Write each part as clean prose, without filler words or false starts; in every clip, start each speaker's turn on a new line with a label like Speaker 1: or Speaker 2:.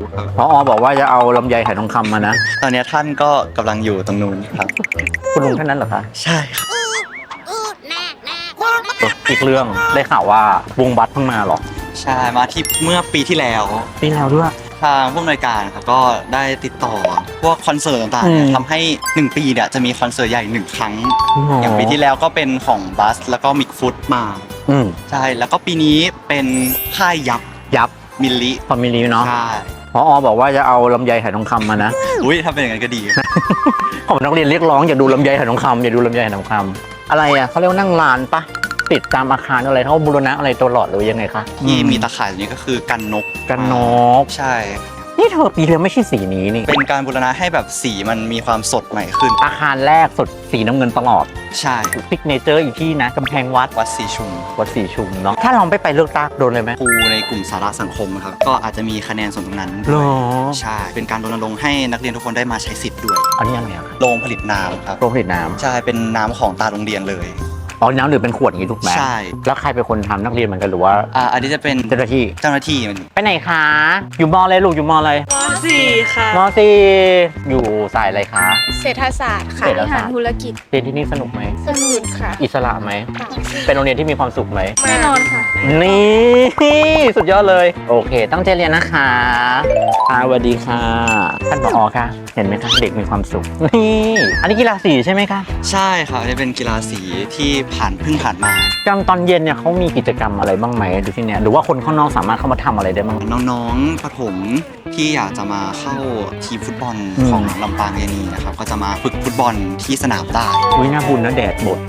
Speaker 1: ผอ.บอกว่าจะเอาลำไยไหทองคำมานะ
Speaker 2: ตอนนี้ท่านก็กำลังอยู่ตรงนู้นครับ
Speaker 1: คุณลุงท่านนั้นเหรอคะ
Speaker 2: ใช่ครับ
Speaker 1: อีกเรื่องได้ข่าวว่าวงบัสเพิ่งมาหรอ
Speaker 2: ใช่มาที่เมื่อปีที่แล้ว
Speaker 1: ด้วย
Speaker 2: ทางผู้อำนวยการครับก็ได้ติดต่อพวกคอนเสิร์ตต่างๆทำให้1ปีเนี่ยจะมีคอนเสิร์ตใหญ่1ครั้งอย่างปีที่แล้วก็เป็นของบัสแล้วก็มิกฟุตมาใช่แล้วก็ปีนี้เป็นค่ายยับมิลลิ
Speaker 1: พอมิลลิเนาะ
Speaker 2: ใช่
Speaker 1: ผอ.บอกว่าจะเอาลำไยไหทองคำมานะ
Speaker 2: อุ้ยถ้าเป็นอย่างนั้นก็ดี
Speaker 1: ผมนักเรียนเรียกร้องอย่าดูลำไยไหทองคำอย่าดูลำไยไหทองคำอะไรอ่ะเขาเรียกว่านั่งลานปะติดตามอาคารอะไรเขาบูรณะอะไรตลอดหรือยังไงคะ
Speaker 2: ที่มีตะข่ายนี้ก็คือกันนกใช่
Speaker 1: นี่เธอปีแล้วไม่ใช่สีนี้นี่
Speaker 2: เป็นการบูรณะให้แบบสีมันมีความสดใหม่ขึ้น
Speaker 1: อาคารแรกสดสีน้ำเงินตลอด
Speaker 2: ใช่
Speaker 1: ซิกเนเจอร์อีกที่นะกำแพงวัด
Speaker 2: สีชุม
Speaker 1: เนาะถ้าลองไปเลือกตั้งโดนเลยไหม
Speaker 2: ครูในกลุ่มสาระสังคมครับก็อาจจะมีคะแนนส่วนตรงนั้นใช่เป็นการรณรงค์ให้นักเรียนทุกคนได้มาใช้สิทธิ์ด้วย
Speaker 1: อันนี้ยังไงครับ
Speaker 2: โรงผลิตน้ำครับ
Speaker 1: โรงผลิตน้ำ
Speaker 2: ใช่เป็นน้ำของตาโรงเรียนเลย
Speaker 1: น้ำดื่มเป็นขวดอย่างนี้ถูกไหม
Speaker 2: ใช่
Speaker 1: แล้วใครเป็นคนทำนักเรียนเหมือนกันหรือว่า
Speaker 2: อันนี้จะเป็น
Speaker 1: เจ้าหน้าที่ไปไหนคะอยู่มออะไรลูกอยู่มออะไร
Speaker 3: ม.4 ค่ะ
Speaker 1: ม.4 อยู่สายอะไรคะ
Speaker 3: เศรษฐศาสตร์ค่ะบริหารธุรกิจ
Speaker 1: เรียนที่นี่สนุกไหม
Speaker 3: สนุกค่ะ
Speaker 1: อิสระไหมเป็นโรงเรียนที่มีความสุขไหม
Speaker 3: แน่นอนค่ะ
Speaker 1: นี่สุดยอดเลยโอเคตั้งใจเรียนนะคะสวัสดีค่ะท่านผอ.ค่ะเห็นไหมคะเด็กมีความสุขนี่อันนี้กีฬาสีใช่ไหมคะ
Speaker 2: ใช่ค่ะจะเป็นกีฬาสีที่เพิ่งผ่านมาก
Speaker 1: ลางตอนเย็นเนี่ยเขามีกิจกรรมอะไรบ้างไหมดูที่เนี่ยหรือว่าคนข้างนอกสามารถเข้ามาทำอะไรได้บ้าง
Speaker 2: น้องๆประถมที่อยากจะมาเข้าทีมฟุตบอลของลำปางเยนีนะครับก็จะมาฝึกฟุตบอลที่สนามได้
Speaker 1: น่าบุญนะแดดบด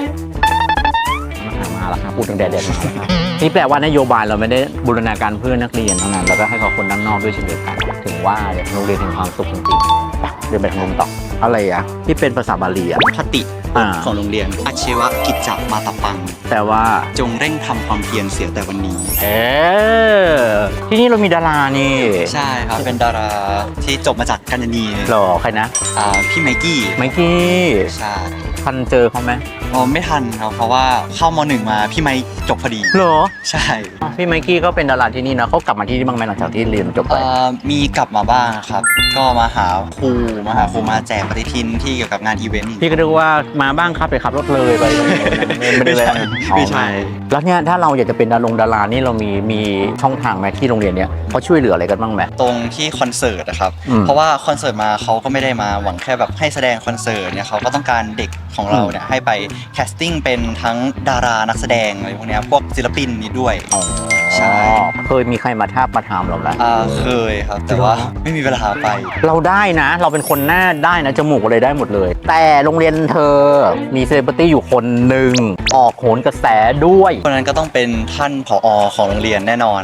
Speaker 1: มาแล้วครับพูดถึงแดดมาแล้วครับนี่แปลว่านโยบายเราไม่ได้บูรณาการเพื่อนักเรียนเท่านั้นแล้วก็ให้กับคนด้านนอกด้วยเช่นเดียวกันถึงว่าโรงเรียนถึงความสุขจริงๆเดินไปทางนู้นต่ออะไรอ่ะที่เป็นภาษาบาลีอ่ะ
Speaker 2: คติของโรงเรียนอาชีวกิจจมาตปัง
Speaker 1: แต่ว่า
Speaker 2: จงเร่งทำความเพียรเสียแต่วันนี้
Speaker 1: ที่นี่เรามีดารานี่
Speaker 2: ใช่ครับเป็นดาราที่จบมาจากกัญญาณี
Speaker 1: หรอใครนะ
Speaker 2: พี่ไมกี้ใช่
Speaker 1: ทันเจอเขาไหม
Speaker 2: ไม่ทันครับเพราะว่าเข้าม.1 มาพี่ไมค์จบพอดี
Speaker 1: หรอ
Speaker 2: ใช่
Speaker 1: พี่ไมกี้ก็เป็นดาราที่นี่นะเขากลับมาที่นี่บ้างไหมหลังจากที่เรียนจบไป
Speaker 2: มีกลับมาบ้างครับก็มาหาครูมาแจกปฏิทินที่เกี่ยวกับงานอีเวนต์
Speaker 1: พี่ก็ดูว่ามาบ้างครับไปขับรถเลยไปไม่ใช่แล้วเนี่ยถ้าเราอยากจะเป็นดารานี่เรามีช่องทางไหมที่โรงเรียนเนี่ยเขาช่วยเหลืออะไรกันบ้างไหม
Speaker 2: ตรงที่คอนเสิร์ตนะครับเพราะว่าคอนเสิร์ตมาเขาก็ไม่ได้มาหวังแค่แบบให้แสดงคอนเสิร์ตเนี่ยเขาก็ต้องการเด็กของเราเนี่ยให้ไปแคสติ้งเป็นทั้งดารานักแสดงอะไรพวกนี้พวกศิลปินนี้ด้วยใช่
Speaker 1: เคยมีใครมาทาบมาถามเราไหม
Speaker 2: เคยครับแต่ว่าไม่มีเวลาไป
Speaker 1: เราได้นะเราเป็นคนหน้าได้นะจมูกอะไรได้หมดเลยแต่โรงเรียนเธอมีเซเลบริตี้อยู่คนหนึ่งออกโหนกระแสด้วย
Speaker 2: คนนั้นก็ต้องเป็นท่านผอ.ของโรงเรียนแน่นอน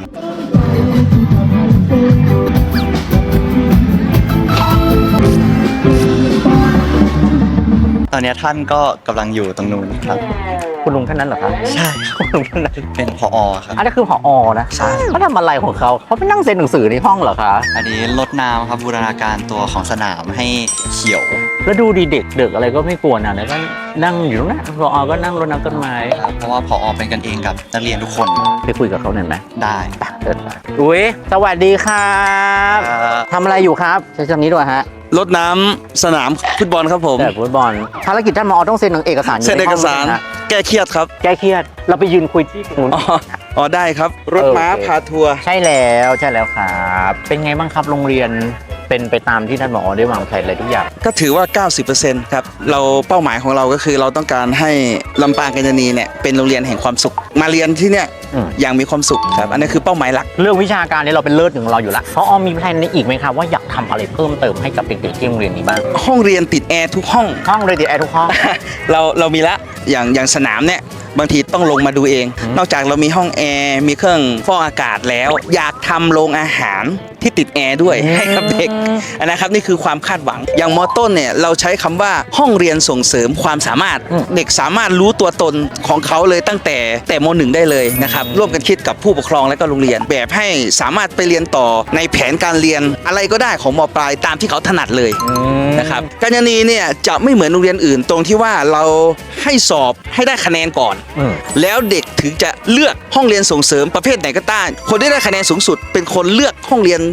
Speaker 2: ตอนนี้ท่านก็กำลังอยู่ตรงนู้นครับ
Speaker 1: คุณลุงท่านนั้นเหรอคะ
Speaker 2: ใช่
Speaker 1: คุณลุงท่านนั้น
Speaker 2: เป็นผอ.ครับ
Speaker 1: อันนี้คือผอ.นะ
Speaker 2: ใช่
Speaker 1: เขาทำอะไรของเขาไปนั่งเซ็นหนังสือในห้องเหรอคะ
Speaker 2: อันนี้รดน้ำครับบูรณาการตัวของสนามให้เขียว
Speaker 1: แล้วดูดีเด็กอะไรก็ไม่กลัวนะแล้วก็นั่งอยู่ตรงนั้นผอ.ก็นั่งรดน้ำต้นไม้
Speaker 2: เพราะว่าผอ.เป็นกันเองกับนักเรียนทุกคน
Speaker 1: ไปคุยกับเขาหน่อยไหม
Speaker 2: ได้
Speaker 1: อุ้ยสวัสดีครับทำอะไรอยู่ครับใช้คำนี้ด้วยฮะ
Speaker 4: รดน้ำสนามฟุตบอลครับผม
Speaker 1: ฟุตบอลภารกิจท่านผอ.ต้องเซ็นเอกสาร
Speaker 4: เซ็นเอกสารแก้เครียดครับ
Speaker 1: แก้เครียดเราไปยืนคุยที่ตรงนู้น
Speaker 4: ได้ครับรถม้าพาทัวร์
Speaker 1: ใช่แล้วครับเป็นไงบ้างครับโรงเรียนเป็นไปตามที่ท่านผอ.ได้วางแผนอะไรทุกอย่าง
Speaker 4: ก็ถือว่า 90% ครับเราเป้าหมายของเราก็คือเราต้องการให้ลำปางกัญญาณีเนี่ยเป็นโรงเรียนแห่งความสุขมาเรียนที่เนี่ยอย่างมีความสุขครับอันนี้คือเป้าหมายหลัก
Speaker 1: เรื่องวิชาการเนี่ยเราเป็นเลิศของเราอยู่แล้วผอ.มีแผนอีกไหมครับว่าอยากทำอะไรเพิ่มเติมให้กับเด็กๆที่โรงเรียนนี้บ้าง
Speaker 4: ห้องเรียนติดแอร์ทุกห้อง
Speaker 1: เลยติดแอร์ทุกห้อง
Speaker 4: เรามีละอย่างสนามเนี่ยบางทีต้องลงมาดูเองนอกจากเรามีห้องแอร์มีเครื่องฟอกอากาศแล้วอยากทำโรงอาหารที่ติดแอร์ด้วยให้กับเด็กนะครับนี่คือความคาดหวังอย่างม.ต้นเนี่ยเราใช้คำว่าห้องเรียนส่งเสริมความสามารถเด็กสามารถรู้ตัวตนของเขาเลยตั้งแต่ม.1 ได้เลยนะครับร่วมกันคิดกับผู้ปกครองและก็โรงเรียนแบบให้สามารถไปเรียนต่อในแผนการเรียนอะไรก็ได้ของม.ปลายตามที่เขาถนัดเลยนะครับกัญญาณีเนี่ยจะไม่เหมือนโรงเรียนอื่นตรงที่ว่าเราให้สอบให้ได้คะแนนก่อนแล้วเด็กถึงจะเลือกห้องเรียนส่งเสริมประเภทไหนก็ได้คนที่ได้คะแนนสูงสุดเป็นคนเลือกห้องเรียน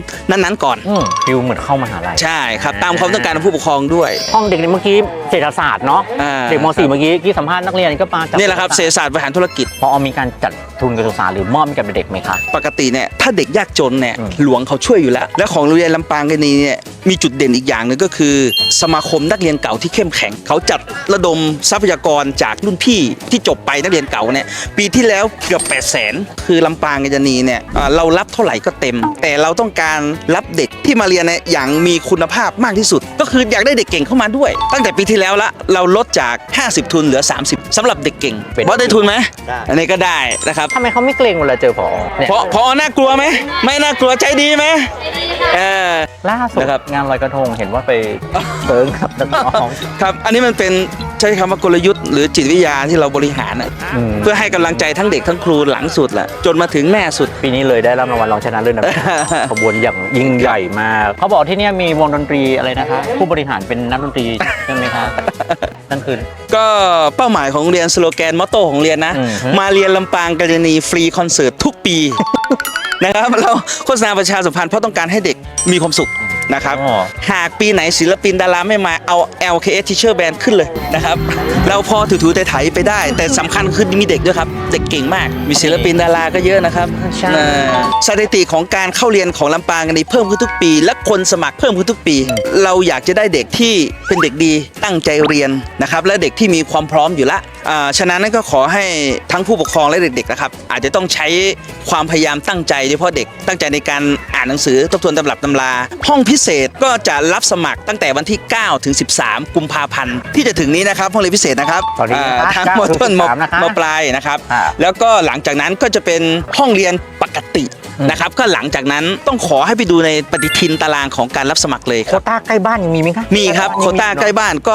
Speaker 4: นั้นๆก่อน
Speaker 1: ฟิลเหมือนเข้ามหาลัย
Speaker 4: ใช่ครับตามความต้องการของผู้ปกครองด้วย
Speaker 1: ห้องเด็กเมื่อกี้เศรษฐศาสตร์เนาะ เด็กม .4 เมื่อกี้ที่สัมภาษณ์นักเรียนก็มาจาก
Speaker 4: นี่แหละครับเศรษฐศาสตร์บริหารธุรกิจ
Speaker 1: พอมีการจัดทุนการศึกษาหรือมอบให้กับเด็กไหมคะ
Speaker 4: ปกติเนี่ยถ้าเด็กยากจนเนี่ยหลวงเขาช่วยอยู่แล้ว และของโรงเรียนลำปางกันนี้เนี่ยมีจุดเด่นอีกอย่างหนึงก็คือ สมาคมนักเรียนเก่าที่เข้มแข็งเขาจัดระดมทรัพยากรจากรุ่นพี่ที่จบไปนักเรียนเก่าเนี่ยปีที่แล้วเกือบ800,000คือลำปางกันนี้เนี่ยเรารับเท่าไหร่ก็เต็ม แต่เราต้องการรับเด็กที่มาเรียนเนี่ยอย่างมีคุณภาพมากที่สุด ก็คืออยากได้เด็กเก่งเข้ามาด้วย ตั้งแต่ปีที่แล้วละเราลดจาก50 ทุนเหลือ30สำหรับเด็กเก่งบอสได้ทุนไหม
Speaker 2: ได้
Speaker 4: อันนี้ก็ได้นะครับ
Speaker 1: ทำไมเขาไม่เกรงเวลาเจอผอเนี่ย
Speaker 4: พอน่ากลัวไหมไม่น่ากลัวใจดีไหม
Speaker 1: ล่าสุด
Speaker 4: นะครับ
Speaker 1: งานลอยกระทงเห็นว่าไปเติงกับนักร้อง
Speaker 4: ครับอันนี้มันเป็นใช้คำว่ากลยุทธ์หรือจิตวิทยาที่เราบริหารเพื่อให้กำลังใจทั้งเด็กทั้งครูหลังสุดแหละจนมาถึงแม่สุด
Speaker 1: ปีนี้เลยได้รับรางวัลรองชนะเลิศนะ ขบวนอย่างยิ่งใหญ่มาก เขาบอกที่เนี่ยมีวงดนตรีอะไรนะคะ ผู้บริหารเป็นนักดนตรีใช่ไหมคะนั่นคือ
Speaker 4: ก็เป้าหมายของโรงเรียนสโลแกนมอตโต้ของโรงเรียนนะ มาเรียนลำปางกัลยาณีฟรีคอนเสิร์ตทุกปี นะครับเราโฆษณาประชาสัมพันธ์เพราะต้องการให้เด็กมีความสุขนะครับ
Speaker 1: อ๋อ
Speaker 4: หากปีไหนศิลปินดาราไม่มาเอา LKS Teacher Band ขึ้นเลยนะครับ เราพอถูๆไถๆไปได้ แต่สำคัญคือมีเด็กด้วยครับ เด็กเก่งมาก มีศิลปินดาราก็เยอะนะครับ
Speaker 1: ใช่
Speaker 4: สถิติของการเข้าเรียนของลำปางกันนี้เพิ่มขึ้นทุกปี และคนสมัครเพิ่มขึ้นทุกปี เราอยากจะได้เด็กที่เป็นเด็กดีตั้งใจเรียนนะครับและเด็กที่มีความพร้อมอยู่ละฉะนั้นนั่นก็ขอให้ทั้งผู้ปกครองและเด็กๆนะครับอาจจะต้องใช้ความพยายามตั้งใจโดยเฉพาะเด็กตั้งใจในการอ่านหนังสือทบทวนตำรับตำราห้องพิเศษก็จะรับสมัครตั้งแต่วันที่ 9 ถึง 13 กุมภาพันธ์ที่จะถึงนี้นะครับห้องเรียนพิเศษนะครับ
Speaker 1: ตอนนี้นะคะ
Speaker 4: ทั้ง
Speaker 1: 9
Speaker 4: มต้น
Speaker 1: ถึง 13นะคะ
Speaker 4: มปลายนะครับ
Speaker 1: อ่า
Speaker 4: แล้วก็หลังจากนั้นก็จะเป็นห้องเรียนปกตินะครับก็หลังจากนั้นต้องขอให้ไปดูในปฏิทินตารางของการรับสมัครเลยค
Speaker 1: โครับ ต้าใกล้บ้านยังมีไหมคะ
Speaker 4: มีครับโควต้าใกล้บ้านก็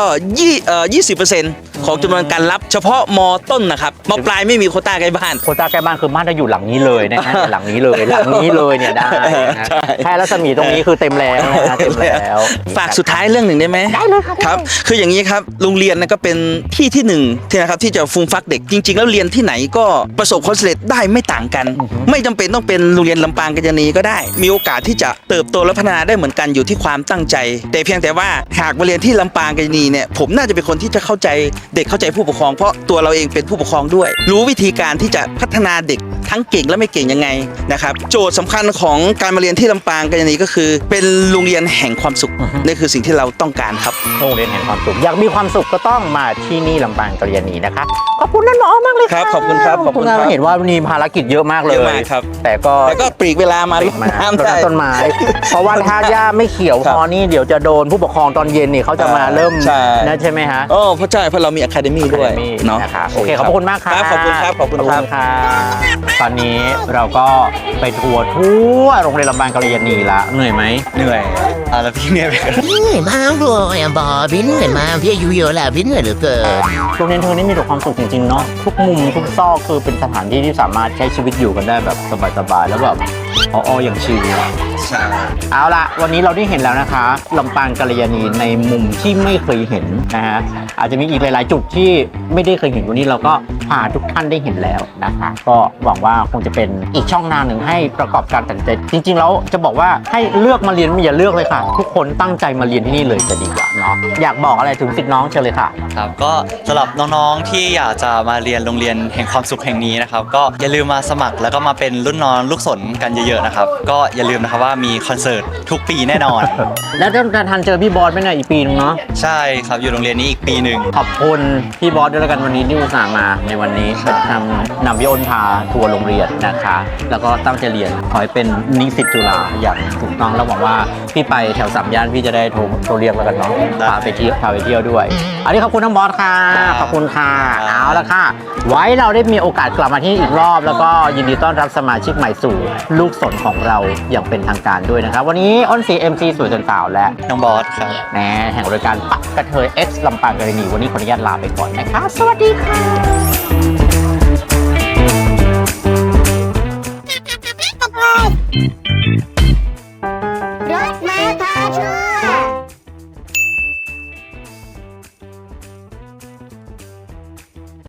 Speaker 4: 20%ของจำนวนการรับเฉพาะมต้นนะครับมปลายไม่มีโควต้าใกล้บ้าน
Speaker 1: โควต้าใกล้บ้านคือบ้านจะอยู่หลังนี้เลยนะฮะ หลังนี้เลยหลังนี้เลยเนี่ยได้นะ
Speaker 4: ใช่
Speaker 1: แค่รัศมีตรงนี้คือเต็มแล้วนะฮะเต็มแล้ว
Speaker 4: ฝากสุดท้ายเรื่องหนึ่งได้ไหมได้เลยครับคืออย่างนี้ครับโรงเรียนนะก็เป็นที่หนึ่งที่นะครับที่จะฟูมฟักเด็กจริง ๆ แล้วเรียนที่ไหนก็ประสบความสำเร็จได้ไม่ต่างกัน ไม่จำเป็นต้องเป็นโรงเรียนลำปางกัญญาณีก็ได้ มีโอกาสที่จะเติบโตและพัฒนาได้เหมือนกันอยู่ที่ความตั้งใจ แต่เพียงแต่ว่าหากมาเรียนที่ลำปางกัญญาณีเนี่ยผมน่าจะเป็นคนที่จะเข้าใจเด็กเข้าใจผู้ปกครองเพราะตัวเราเองเป็นผู้ปกครองด้วย รู้วิธีการที่จะพัฒนาเด็กทั้งเก่งและไม่เก่งยังไงนะครับโจทย์สำคัญของการมาเรียนที่ลำปางกัญญาณีก็คือ เป็นโรงเรียนแห่งความสุขนี่คือสิ่งที่เราต้องการครับ
Speaker 1: โรงเรียนแห่งความสุขอยากมีความสุขก็ต้องมาที่นี่ลำปางกัลยาณีนะคะขอบคุณท่านหมอมากเลย
Speaker 4: ครับขอบคุณครับขอบคุณครับ
Speaker 1: เห็นว่ามีภารกิจเยอะมากเลย
Speaker 4: เยอะมากครับ
Speaker 1: แต่ก็
Speaker 4: แล้วก็ปลีกเวลามา
Speaker 1: ติดมา
Speaker 4: น้ำ
Speaker 1: ต้น
Speaker 4: ได้
Speaker 1: ต้นไม้ เพราะว่าถ้าหญ้าไม่เขียว
Speaker 4: ครั
Speaker 1: พ
Speaker 4: บ
Speaker 1: อนี่เดี๋ยวจะโดนผู้ปกครองตอนเย็นนี่เขาจะมาเริ่ม
Speaker 4: ใช่
Speaker 1: นะใช่ไหมฮะ
Speaker 4: โอ้เพราะใช่เพราะเรามีอะคาเดมี่ด้วยเนาะ
Speaker 1: นะคะโอเคขอบคุณมากครับ
Speaker 4: ขอบคุณครับขอบคุณครับ
Speaker 1: ตอนนี้เราก็ไปทัวร์ทั่วโรงเรียนลำปางกัลยาณีละเหนื่อยไหม
Speaker 2: เหนื่อยแล้วพี่เนี่ย
Speaker 5: เหนื่อยมากเลยอ่ะบอพี่เหนื่อยมากพี่อายุเยอะแล้วพี่เหนื่อยเหลือเกิน
Speaker 1: โรงเรียนเธอนี่มีแต่ความสุขจริงๆเนาะทุกมุมทุกซอกคือเป็นสถานที่ที่สามารถใช้ชีวิตอยู่กันได้แบบสบายๆแล้วแบบอ๋ออย่างชิลอะ
Speaker 2: ใช่
Speaker 1: เอาละวันนี้เราได้เห็นแล้วนะคะลำปางกัลยาณีในมุมที่ไม่เคยเห็นนะฮะอาจจะมีอีกหลายๆจุดที่ไม่ได้เคยเห็นวันนี้เราก็พาทุกท่านได้เห็นแล้วนะคะก็หวังว่าคงจะเป็นอีกช่องทางหนึ่งให้ประกอบการตัดสินใจจริงๆแล้วจะบอกว่าให้เลือกมาเรียนไม่อย่าเลือกเลยค่ะ ทุกคนตั้งใจมาเรียนที่นี่เลยจะดีกว่าเนาะอยากบอกอะไรถึงศิษย์น้องเชิญเลยค่ะ
Speaker 2: ครับก็สำหรับน้องๆที่อยากจะมาเรียนโรงเรียนแห่งความสุขแห่งนี้นะครับก็อย่าลืมมาสมัครแล้วก็มาเป็นรุ่นน้องลูกศรกันเยอะๆนะครับก็อย่าลืมนะครับว่ามีคอนเสิร์ตทุกปีแน่นอน
Speaker 1: แล้วจะทันเจอพี่บอสไหมเนี่ยอีกปีนึงเนาะ
Speaker 2: ใช่ครับอยู่โรงเรียนนี้อีกปีหนึ่ง
Speaker 1: ขอบคุณพี่บอสด้วยแล้วกันวันนี้ที่อุตส่าห์มาในวันนี้นำพี่อ้นพาทัวร์โรงเรียนนะคะ แล้วก็ตั้งใจเรียนขอให้เป็นนิสิตจุฬาอย่างถูกต้องแล้วหวังว่าพี่ไปแถวสามย่านพี่จะได้โทรเรียกแล้วกันเนาะพาไปเที่ยวด้วย อันนี้ขอบคุณทั้งบอสค่ะขอบคุณค่ะเอาละค่ะ ไว้เราได้มีโอกาสกลับมาที่นี่อีกรอบ แล้วก็ยินดีต้อนรับสมาชิกใหม่สู่ลูกศรของเราอย่างเป็นทางการด้วยนะครับวันนี้อ้นสี MC สวยจนสาวและ
Speaker 2: น้องบอสครับ
Speaker 1: แหน่แห่งรายการปักกระเทย X ลำปางกัลยาณีวันนี้ขออนุญาตลาไปก่อนนะคะสวัสดีค่ะ